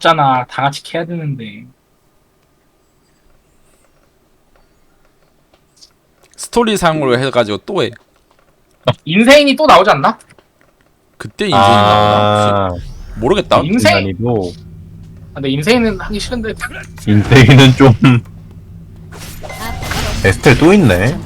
없잖아. 다 같이 캐야 되는데. 스토리상으로 해가지고 또 해. 인생이 또 나오지 않나? 그때 인생이 나오나? 혹시? 모르겠다. 인생? 인간이고 근데 인생은 하기 싫은데. 인생은 좀 에스텔 또 있네.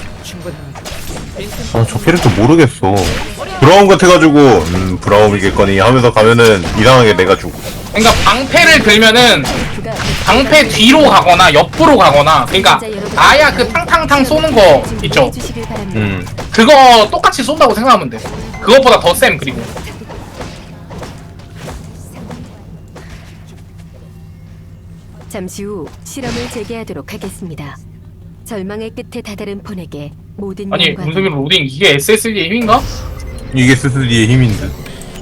아, 저 캐릭터 모르겠어. 브라움 같아가지고 브라움이겠거니 하면서 가면은 이상하게 내가 죽어. 그러니까 방패를 들면은 방패 뒤로 가거나 옆으로 가거나, 그러니까 아야 그 탕탕탕 쏘는 거 있죠. 그거 똑같이 쏜다고 생각하면 돼. 그것보다 더 쌤. 그리고 잠시 후 실험을 재개하도록 하겠습니다. 절망의 끝에 다다른 폰에게 모든 아니 영광을- 문석이 로딩 이게 SSD의 힘인가? 이게 스스디의 힘인 듯.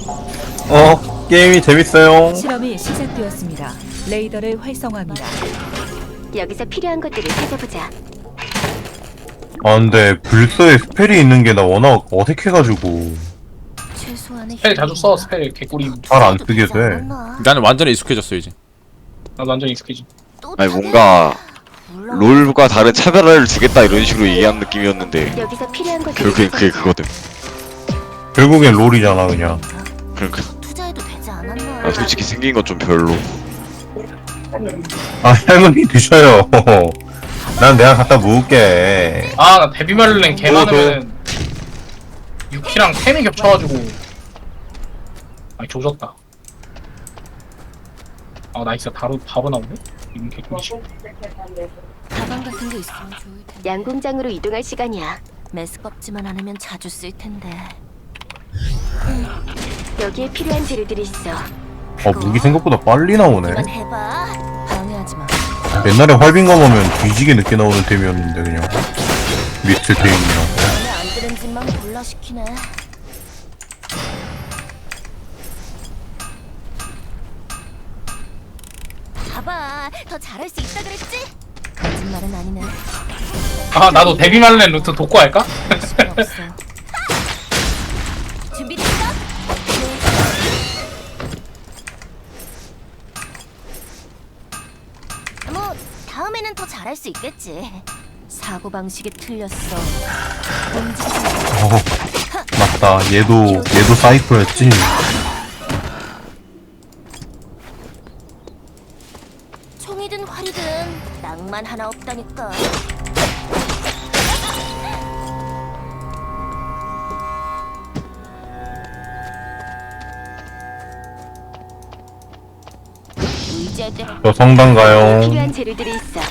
게임이 재밌어요. 실험이 시작되었습니다. 레이더를 활성화합니다. 여기서 필요한 것들을 찾아보자. 아 근데 불서에 스펠이 있는 게 나 워낙 어색해가지고 최소한의 스펠 자주 써. 스펠 개꿀임. 잘 안 쓰게 돼. 나는 완전히 익숙해졌어 이제. 나도 완전 익숙해지. 아니 뭔가 롤과 다른 차별화를 주겠다 이런 식으로 얘기한 느낌이었는데 여기서 필요한 것들을 결국엔 그게 그거든. 결국엔 롤이잖아 그냥. 그러니까 투자해도 되지 않았나? 나 솔직히 생긴 건 좀 별로. 아 할머니 드셔요. 난 내가 갖다 모을게. 아 나 데뷔말렌 개 많으면 유키랑 템이 겹쳐가지고 아니 조졌다. 아 나이스. 바로 나오네? 이건 개꿀이지. 가방 같은 게 있으면 좋을 텐데. 양궁장으로 이동할 시간이야. 메스껍지만 않으면 자주 쓸 텐데. 여기에 필요한 재료들이 있어. 무기 생각보다 빨리 나오네. 해봐. 방해하지 마. 옛날에 활빈검 하면 뒤지게 늦게 나오는 템이었는데 그냥 미스트 테임이랑. 마음에 안 드는 짓만 골라 시키네. 봐봐, 더 잘할 수 있다 그랬지? 거짓말은 아니네. 아 나도 데뷔말렌 루트 독고할까? 필요 없어. 준비됐어? 뭐 다음에는 더 잘할 수 있겠지. 사고 방식이 틀렸어. 맞다. 얘도 사이코였지. 총이든 활이든 낭만 하나 없다니까. 의지할 때 저 성당 가요. 필요한 재료들이 있어.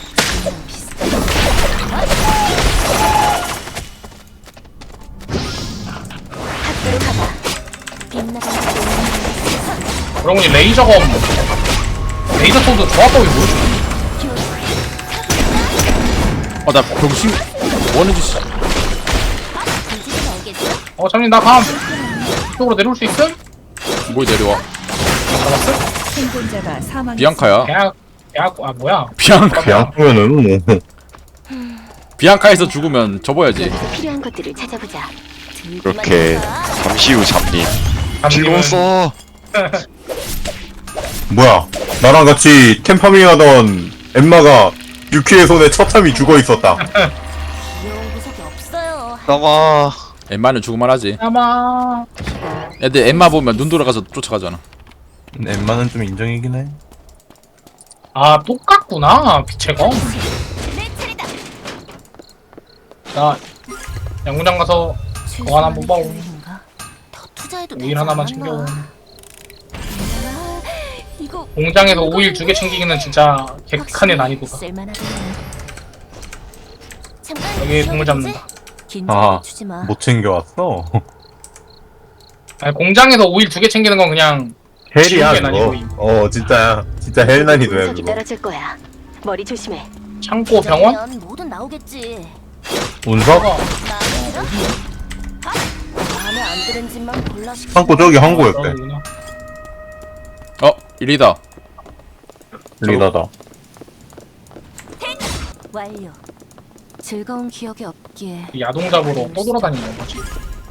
학교로 가봐. 빛나가는 그러고 보니 레이저검 레이저 소드 좋았다고 모르지. 나 병신 원해주 씨. 공지는 알겠어? 장님 나 감. 이쪽으로 내려올 수 있음? 뭘 내려와? 잡았음? 생존자가 사망했습니다. 비앙카야. 대학 뭐야? 비앙카. 그냥 보면은 뭐 비앙카에서 죽으면 접어야지. 여기서 필요한 것들을 찾아보자. 그렇게 잠시 후 잡님. 즐거웠어. 뭐야? 나랑 같이 템파밍하던 엠마가 유키의 손에 처참히 죽어 있었다. 귀여운 구석이 없어요. 나마. 엠마는 죽을만 하지. 아마 애들 엠마 보면 눈 돌아가서 쫓아가잖아. 엠마는 좀 인정이긴 해. 똑같구나 빛의 검. 내 차례다. 나 양궁장 가서 그거 하나 못 봐오. 계획인가? 더 투자해도 오일 되지 하나만 않았나? 챙겨. 아, 이거 공장에서 오일 2개 챙기기는 진짜 객칸의 난이도다. 쓸만하겠네. 잠깐 여기 동물 쉬어도 잡는다. 되지? 긴장 주지 마. 못 챙겨왔어. 아니, 공장에서 오일 2개 챙기는 건 그냥 헬이야 지옥의 난이도임. 그거. 진짜 헬 난이도야 분석이 그거. 떨어질 거야. 머리 조심해. 창고 병원? 그러면 뭐든 나오겠지. 운석? 어, 마음에 들어? 마음에 안 드는 짓만 골라 시키네. 창고 저기 항구였대. 여기구나. 일이다. 리나다. 완료. 즐거운 기억이 없기에. 야동 잡으러 또 돌아다니는 거지.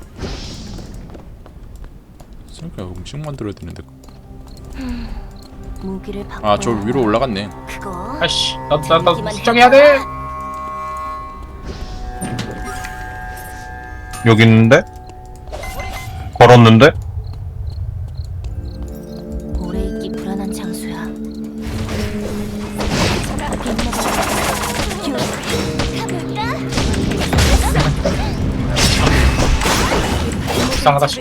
생각해 음식 만들어야 되는데. 무기를 아 저 위로 올라갔네. 그거 아씨 나 수정해야 돼. 여기 있는데? 걸었는데? 오래 있기 불안한 장소야. 이상하다 싶어.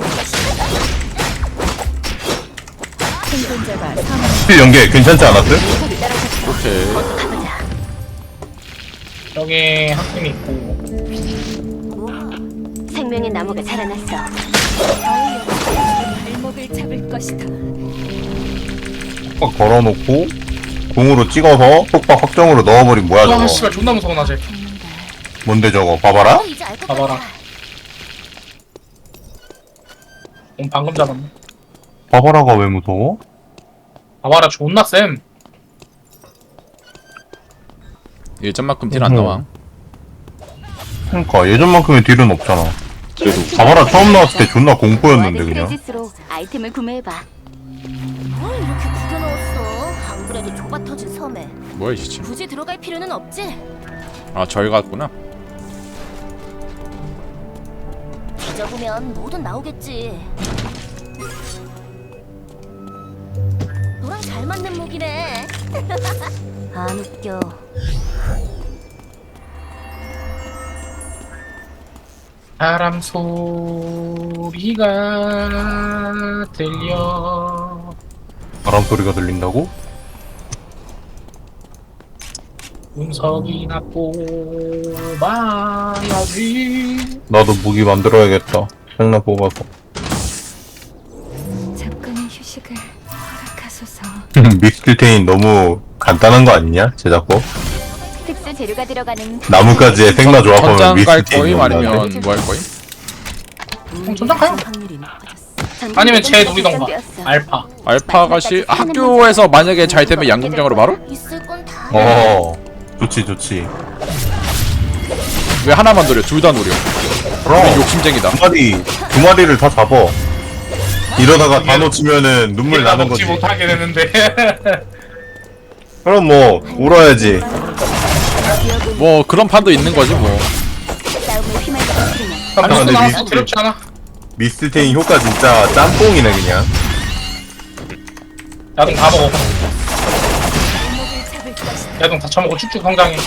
생존자가 사망. 연계 괜찮지 않았어요? 오케이. 여기 한 팀이 있고. 생명의 나무가 자라났어. 발목을 잡을 것이다. 팍 걸어놓고 공으로 찍어서 속박 확정으로 넣어버린 뭐야 아 저거. 씨발 존나 무서워 나 쟤. 뭔데 저거 봐봐라. 이제 알 것 봐봐라. 같아. 방금 잡았네. 봐봐라가 왜 무서워? 봐봐라 존나 쌤. 예전만큼 딜 안 나와. 그러니까 예전만큼의 딜은 없잖아. 그래도 봐봐라 처음 나왔을 때 존나 공포였는데 무한의 그냥. 크레딧으로 아이템을 구매해봐. 뭘 이렇게 구겨 넣었어? 안 그래도 좁아 터진 섬에 뭐야 이 시체. 굳이 들어갈 필요는 없지. 아 저기 갔구나. 뒤져보면 뭐든 나오겠지. 너랑 잘 맞는 무기네. 안 웃겨. 바람 소리가 들려. 바람 소리가 들린다고? 운석이나 뽑아야지. 나도 무기 만들어야겠다. 생나 뽑아서. 잠깐의 휴식을 허락하소서. 믹스테인 너무 간단한 거 아니냐? 제작법? 특수 재료가 들어가는 나무까지의 생나 조합하면 전장 갈 믹스테인 거임 너무 아니면 나은데? 뭐 할 거임? 전장 가요. 확률이 높아졌어. 아니면 제 누리던가. 결정되었어. 알파. 알파가 학교에서 만약에 잘 되면 양궁장으로 바로? 있을 건 다. 좋지 좋지. 왜 하나만 노려? 둘 다 노려. 그럼 욕심쟁이다. 두 마리를 다 잡어. 이러다가 다 놓치면은 눈물 나 나는 먹지 거지. 못하게 되는데. 그럼 뭐 울어야지. 뭐 그런 판도 있는 거지 뭐. 싸움을 휘말리는 소리는 아니, 근데 나와서 미스트- 두렵지 않아. 미스테인 효과 진짜 짬뽕이네 그냥. 야동 다 먹어. 야동 다 처먹고 쭉쭉 성장해.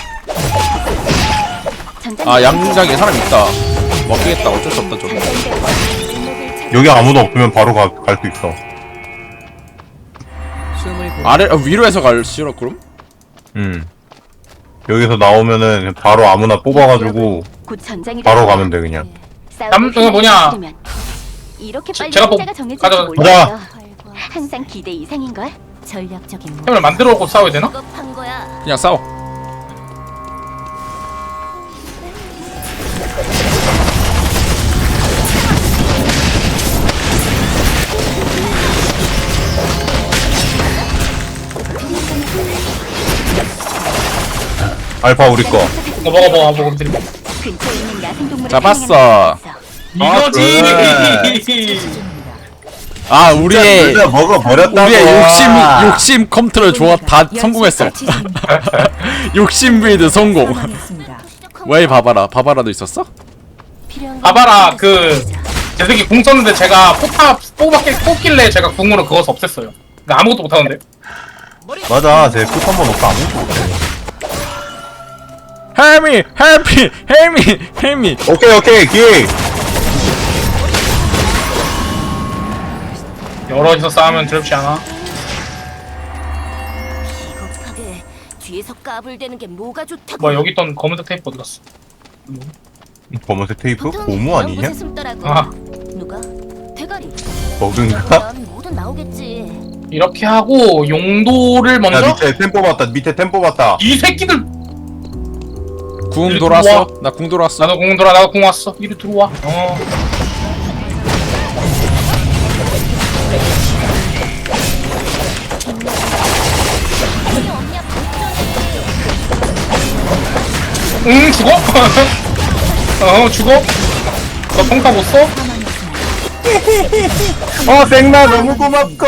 아 양궁장에 사람 있다. 먹겠다. 어쩔 수 없다 저거. 여기 아무도 없으면 바로 갈 수 있어. 아래 위로해서 갈 싫어 그럼? 여기서 나오면은 바로 아무나 뽑아가지고 곧 전장이 바로 가면 돼 그냥. 그거 뭐냐. 이렇게 빨리 제가 승자가 정해질지 가자. 몰랐어. 항상 기대 이상인 걸. 전략적인 뭐. 템을 만들어 놓고 싸워야 되나? 급한 거야. 그냥 싸워. 알파 우리 거. 이거 먹어 드림. 근처에 있는 야생동물을 잡았어. 이거지. 아 우리의 진짜 먹어버렸다고. 우리의 욕심 컨트롤 조합 다 성공했어. 욕심 빌드 성공. 사망했습니다. 왜 바바라도 있었어? 봐봐라 제 새끼 궁 썼는데 제가 포탑 뽑길래 제가 궁으로 그것을 없앴어요. 근데 아무것도 못하는데. 맞아, 쟤 끝 한번 넣고 아무것도 못해. 헬미. 오케이 기회. 여럿이서 싸우면 두렵지 않아? 비겁하게 뒤에서 까불대는 게 뭐가 좋다고. 뭐 여기 있던 검은색 테이프 어디 갔어? 검은색 테이프? 보통 고무 그런 아니냐? 곳에 숨더라고. 아. 누가? 대가리. 버그인가? 그러면 뭐든 나오겠지. 이렇게 하고 용도를 야 먼저. 밑에 템 뽑았다. 이 새끼들. 궁 돌았어? 나 궁 돌았어. 나도 궁 돌아. 나도 궁 왔어. 이리 들어와. 응 죽어? 죽어? 너 평타 못 써? 생나 너무 고맙고.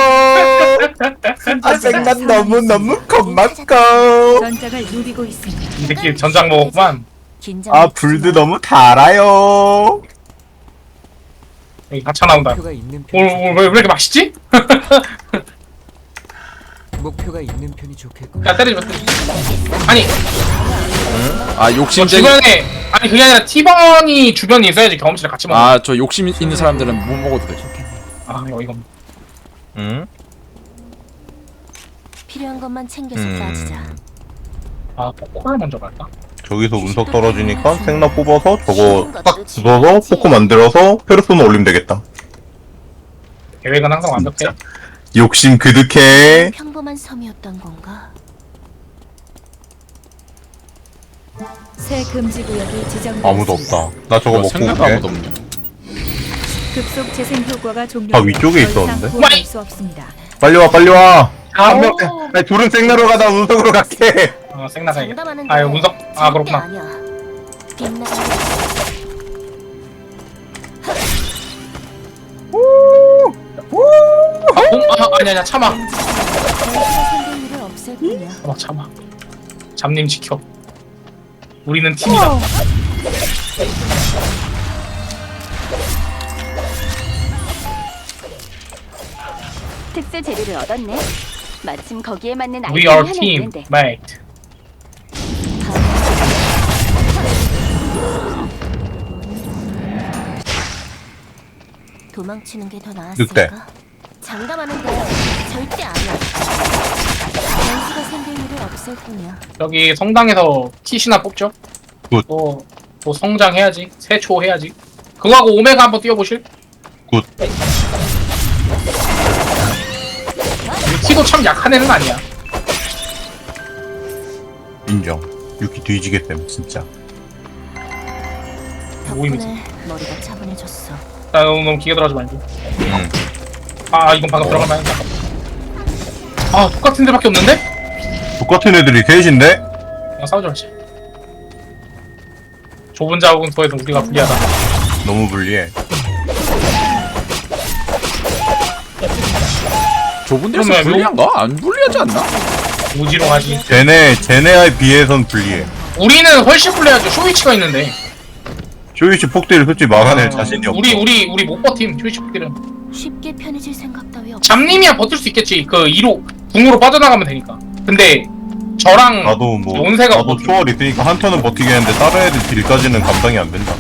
생나 너무 고맙고. 전장을 누비고 있습니다. 이 새끼 전장 먹었구만. 불도 너무 달아요. 여기 가차 나온다. 목표가 있는 편이 오늘 왜 이렇게 맛있지? 목표가 있는 편이 좋겠군. 야 때리지 마. 아니 아 욕심쟁이. 주변에 아니 그게 아니라 티번이 주변에 있어야지 경험치를 같이 먹어. 아 저 욕심 있는 사람들은 못 먹어도 돼. 아 이거 응? 필요한 것만 챙겨서 빠지자. 아 포코를 먼저 갈까? 저기서 운석 떨어지니까 생나 뽑아서 저거 딱 주워서 포코 만들어서 페르소나 올리면 되겠다. 계획은 항상 완벽해. 욕심 그득해. 평범한 섬이었던 건가? 새 금지 구역이 지정되었습니다. 아무도 없다. 나 저거 먹고 생각도 아무도 올게. 없네. 급속 재생 효과가 종료. 아, 위쪽에 있었는데? 구할 수 없습니다. 빨리 와 빨리 와. 한 명. 오. 아니 둘은 생나로 가다 운석으로 갈게. 생나가야겠다. 장담하는데 아 이거 운석. 아 절대 그렇구나. 아니야. 빛나는 아니야 참아. 생존율을 없앨 뿐이야. 참아. 잡님 지켜. 우리는 팀이다. 특수 재료를 얻었네. 마침 거기에 맞는 We 아이템이 are 하나 team, 있는데. mate. 도망치는 게 더 늑대. 나았을까? 장담하는데 절대 아니야. 변수가 생존율을 없앨 뿐이야. 여기 성당에서 킷이나 뽑죠. 굿. 또 성장해야지. 세초 해야지. 그거하고 오메가 한번 뛰어보실? 굿. 유키도 참 약한 애는 아니야. 인정. 유키 뒤지겠댐 진짜. 모임이지. 덕분에 머리가 차분해졌어. 나 너무 기계 들어가지 말고. 응. 아 이건 방금 들어갈 만했다. 아 똑같은 데밖에 없는데? 똑같은 애들이 셋인데? 그냥 싸우지 말지. 좁은 자국은 더해서 우리가 불리하다. 너무 불리해. 좁은 데서 그러면 불리한가? 안 불리하지 않나? 무지롱하지. 쟤네에 비해선 불리해. 우리는 훨씬 불리하죠. 쇼이치가 있는데. 쇼이치 폭대를 솔직히 막아낼 자신이 없어. 우리 못 버팀. 쇼이치 폭딜은. 쉽게 편해질 생각 따위 없어. 잡님이야 버틸 수 있겠지. 그 2로 궁으로 빠져나가면 되니까. 근데 저랑 나도 뭐 온세가 나도 버티고. 초월 있으니까 한 턴은 버티겠는데 다른 애들 딜까지는 감당이 안 된다.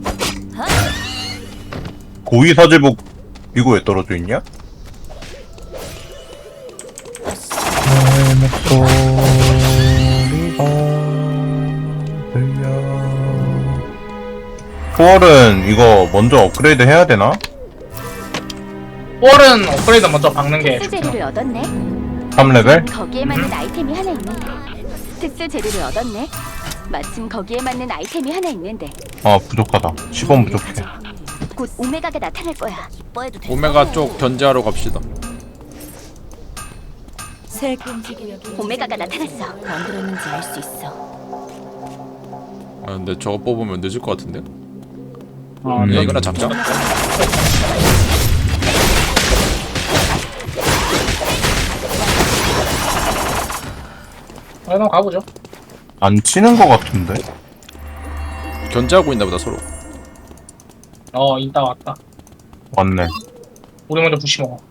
고위 사제복 이거 왜 떨어져 있냐? 초월은 이거 먼저 업그레이드 해야 되나? 볼은 업그레이드 먼저 박는 게 특수 좋구나. 재료를 얻었네. 3레벨? 거기에 맞는 아이템이 하나 있는데. 특수 재료를 얻었네. 마침 거기에 맞는 아이템이 하나 있는데. 아 부족하다. 10원 부족해. 곧 오메가가 나타날 거야. 기뻐해도 돼. 오메가 쪽 견제하러 갑시다. 새 금지 구역이 오메가가 나타났어. 만들었는지 알 수 있어. 아 근데 저거 뽑으면 늦을 것 같은데? 어, 야 이거나 잡자. 그럼 가보죠. 안 치는 거 같은데? 견제하고 있나 보다 서로. 인따 왔다. 왔네. 우리 먼저 부시 먹어.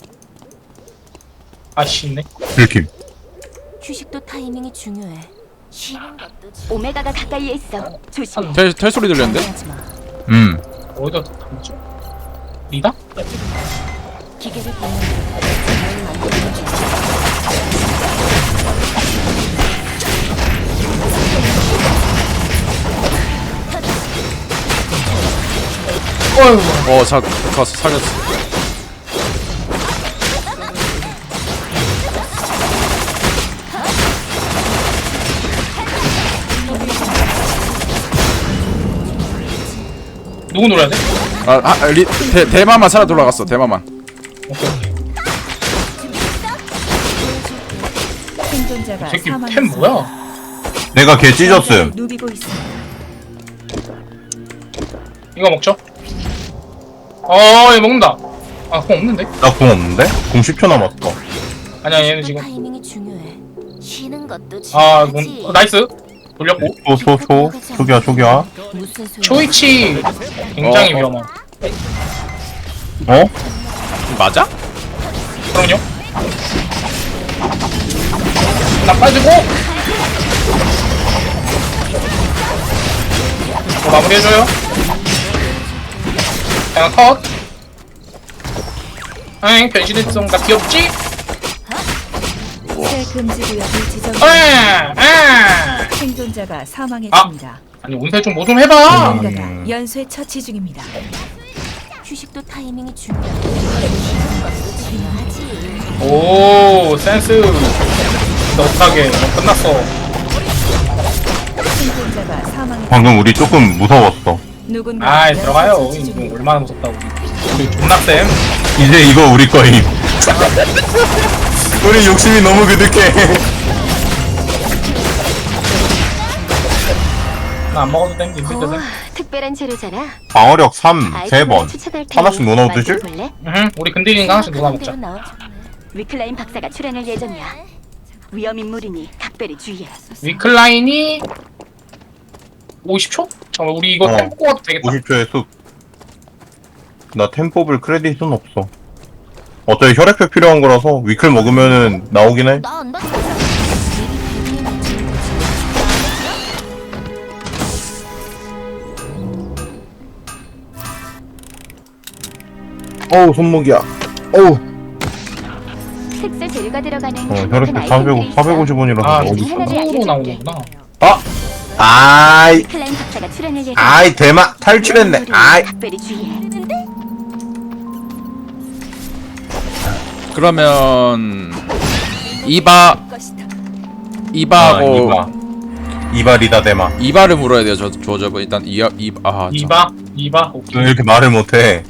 아씨 있네. 들킴. 휴식도 타이밍이 중요해. 쉬는 것도 오메가가 가까이에 있어. 조심. 텔 소리 들렸는데? 하지 마. 어디다 담죠? 리다? 기계를 보면 자연을 만드는 줄 어휴. 가서 살렸어. 누구 노려야 돼? 대마만 살아 돌아갔어. 대마만. 오케이. 생존자가 이 새끼 템 사망했습니다. 뭐야? 내가 걔 찢었음. 전장을 누비고 있습니다. 이거 먹죠? 얘 먹는다. 아, 공 없는데? 나 공 없는데? 공 10초 남았어. 아니야, 얘는 지금. 타이밍이 중요해. 쉬는 것도 아, 중요하지. 나이스. 돌렸고. 초기야. 무슨 소리야? 초이치 굉장히 위험함. 어? 맞아? 그럼요. 나 빠지고. 마무리해줘요. 자, 컷. 엥, 변신했어. 나 귀엽지? 새 금지 구역이 지정. 생존자가 사망했습니다. 아니, 운세 뭐 좀 해봐. 누군가가 연쇄 처치 중입니다. 휴식도 타이밍이 중요해. 쉬는 것도 중요하지. 오, 센스. 너하게 끝났어. 생존자가 사망했습니다. 방금 우리 조금 무서웠어. 누군가 아이, 들어가요. 이거 얼마나 무섭다고. 우리 존나 쌤. 이제 이거 우리 거임. 우리 욕심이 너무 그득해. 나 안 먹어도 땡기 힘들 때는. 특별한 재료잖아. 방어력 3, 아이템을 3번. 추천할 테니 하나씩 넣어놔도 되지? 만들어볼래? 우리 근딜인가 하나씩 누가 먹자. 위클라인 박사가 출연할 예정이야. 위험 인물이니 각별히 주의해. 위클라인이 50초? 잠깐만, 우리 이거 어. 템포 가도 되겠다. 50초의 숲. 나 템 뽑을 크레딧은 없어. 어차피 혈액표 필요한 거라서 위클 먹으면은 나오긴 해. 나안 봤어. 어우 손목이야. 어우. 특수 재료가 들어가는 혈액표 450원이라서 아, 어디 우리 있어? 손으로 나오는구나. 아이, 위클라인 박사가 출연할 예정이야. 아이 대마 탈출했네. 아이. 각별히 주의해. 그러면 이바하고 이발이다 대마. 이바를 물어야 돼요. 저분 일단 이바? 오케이. 왜 이렇게 말을 못해?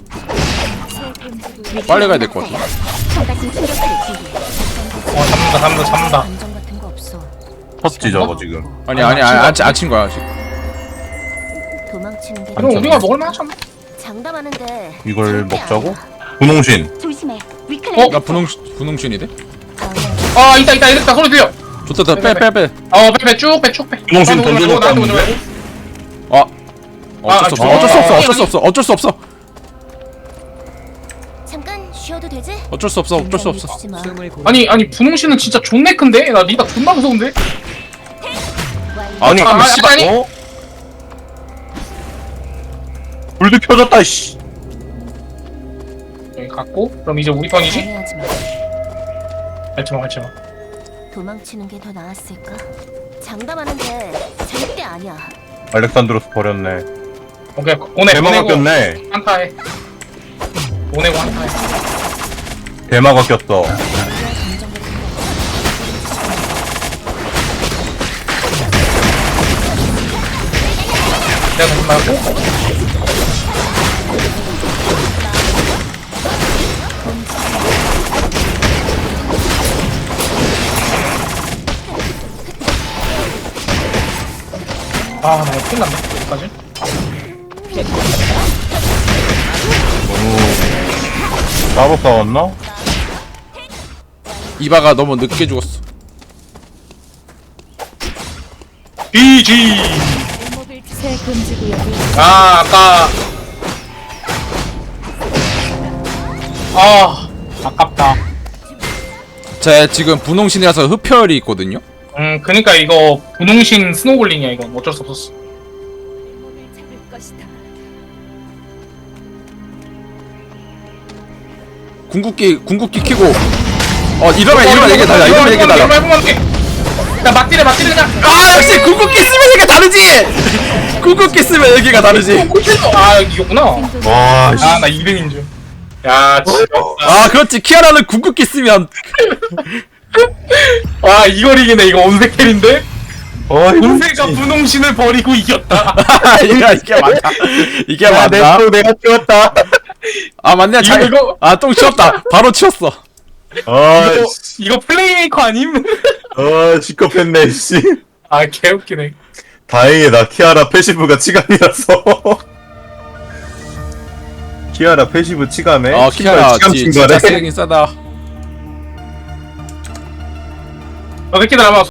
빨리 가야 될 것 같아. 청가심 충격파를 주의해. 잡는다. 감정 같은 거 없어. 섰지 저거 지금. 아니 안친 거야 아직. 도망치는 게 그럼 우리가 먹을 만하잖아. 장담하는데 이걸 절대 먹자고? 아니야. 분홍신. 조심해. 위클라인 나 분홍신이 돼? 아, 있다. 소리 들려. 좋다 빼. 빼, 쭉 빼. 분홍신 나한테 오지 던져줬다. 말고, 나한테 오지 말고. 어쩔 수 없어. 잠깐 쉬어도 되지? 어쩔 수 없어. 주지 마. 숨을 고르 아니, 분홍씨는 진짜 존내 큰데? 나 리다 존나 무서운데? 아니, 아, 씨발. 아니. 어? 불도 펴졌다 씨. 여기 갔고, 그럼 이제 우리 턴이지? 방해하지 마. 갈지마. 도망치는 게 더 나았을까? 장담하는데 절대 아니야. 알렉산드로스 버렸네. 오케이, 보내고. 대마가 꼈네. 한타해. 보내고 한타해. 대마가 꼈어. 내가 무슨 말고? 아, 나 이거 큰일 났네. 여기까지. 따로 싸웠나? 이바가 너무 늦게 죽었어. BG! 새 금지 구역이 아, 아깝다. 제 지금 분홍신이라서 흡혈이 있거든요. 그니까 이거 분홍신 스노볼링이야, 이건. 어쩔 수 없었어. 궁극기 키고 이러면 이게 달라. 이러면 이게 달라. 야, 맞디래, 그냥. 아 역시 궁극기 쓰면 이게 다르지. 궁극기 쓰면 여기가 다르지. 아, 이거구나. 와, 씨. 아, 나 2등인 줄. 야, 진짜. 아 그렇지. 키아라는 궁극기 쓰면 와, 이걸 이기네. 이거 온색 텔인데? 어이, 온색과 분홍신을 버리고 이겼다. 이게 맞다. 이게 맞다. 내가 치웠다. 아 맞네. 이거- 아똥 치웠다. 바로 치웠어. 이거 플레이메이커 아님? 시끄럽했네, 씨. 아, 개웃기네. 다행히 나 키아라 패시브가 치감이라서. 키아라 패시브 치감에 아 키아라 치감 진짜 증가래. 쓰레기 싸다. 저 새끼들 아마